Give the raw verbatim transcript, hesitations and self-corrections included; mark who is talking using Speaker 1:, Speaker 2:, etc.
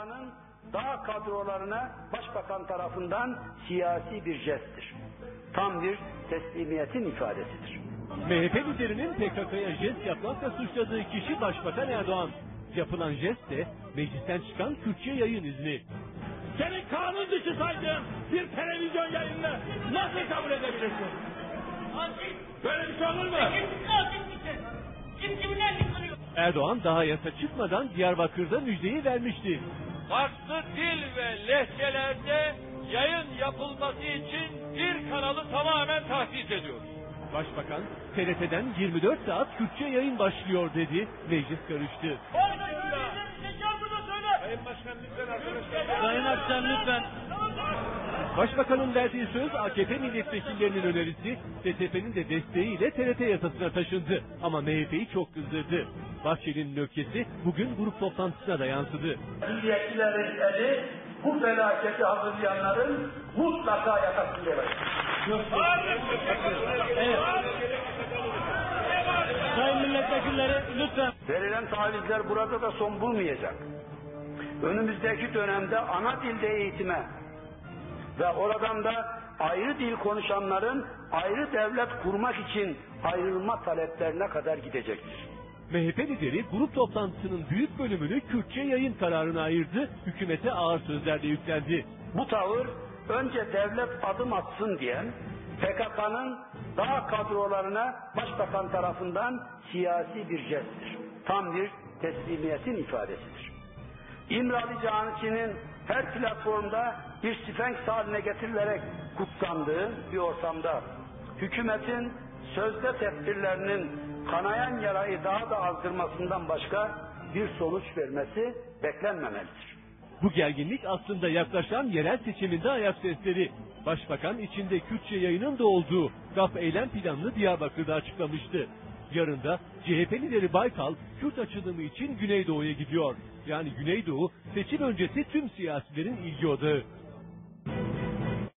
Speaker 1: K'nın dağ kadrolarına başbakan tarafından siyasi bir jesttir. Tam bir teslimiyetin ifadesidir.
Speaker 2: M H P liderinin P K K'ya jest yapmakla suçladığı kişi Başbakan Erdoğan. Yapılan jest de meclisten çıkan Kürtçe yayın izni.
Speaker 3: Seni kanun dışı saydığım bir televizyon yayınını nasıl kabul edebilirsin? Böyle bir şey olur mu?
Speaker 4: Kim kimden yıkılıyor?
Speaker 2: Erdoğan daha yasa çıkmadan Diyarbakır'da müjdeyi vermişti.
Speaker 3: Farklı dil ve lehçelerde yayın yapılması için bir kanalı tamamen tahsis ediyoruz.
Speaker 2: Başbakan, T R T'den yirmi dört saat Kürtçe yayın başlıyor dedi, meclis karıştı.
Speaker 3: Sayın Başkan lütfen arkadaşlar.
Speaker 2: Sayın Başkan lütfen. Başbakanın verdiği söz A K P milletvekillerinin önerisi, S T P'nin de desteğiyle T R T yasasına taşındı. Ama M H P'yi çok kızdırdı. Bahçeli'nin öfkesi bugün grup toplantısına da yansıdı.
Speaker 1: Milliyetçilerin eli bu felaketi hazırlayanların mutlaka yakasında olacak.
Speaker 2: Evet. Sayın milletvekilleri lütfen.
Speaker 1: Verilen tavizler burada da son bulmayacak. Önümüzdeki dönemde ana dilde eğitime ve oradan da ayrı dil konuşanların ayrı devlet kurmak için ayrılma taleplerine kadar gidecektir.
Speaker 2: M H P lideri grup toplantısının büyük bölümünü Kürtçe yayın kararına ayırdı, hükümete ağır sözlerle yüklendi.
Speaker 1: Bu tavır önce devlet adım atsın diyen P K K'nın dağ kadrolarına başbakan tarafından siyasi bir jesttir. Tam bir teslimiyetin ifadesidir. İmralı Canisi'nin her platformda bir sfenks haline getirilerek kutsandığı bir ortamda hükümetin sözde tedbirlerinin kanayan yarayı daha da azdırmasından başka bir sonuç vermesi beklenmemelidir.
Speaker 2: Bu gerginlik aslında yaklaşan yerel seçiminde ayak sesleri. Başbakan içinde Kürtçe yayının da olduğu G A P eylem planını Diyarbakır'da açıklamıştı. Yarın da C H P lideri Baykal, Kürt açılımı için Güneydoğu'ya gidiyor. Yani Güneydoğu seçim öncesi tüm siyasilerin ilgi odağı.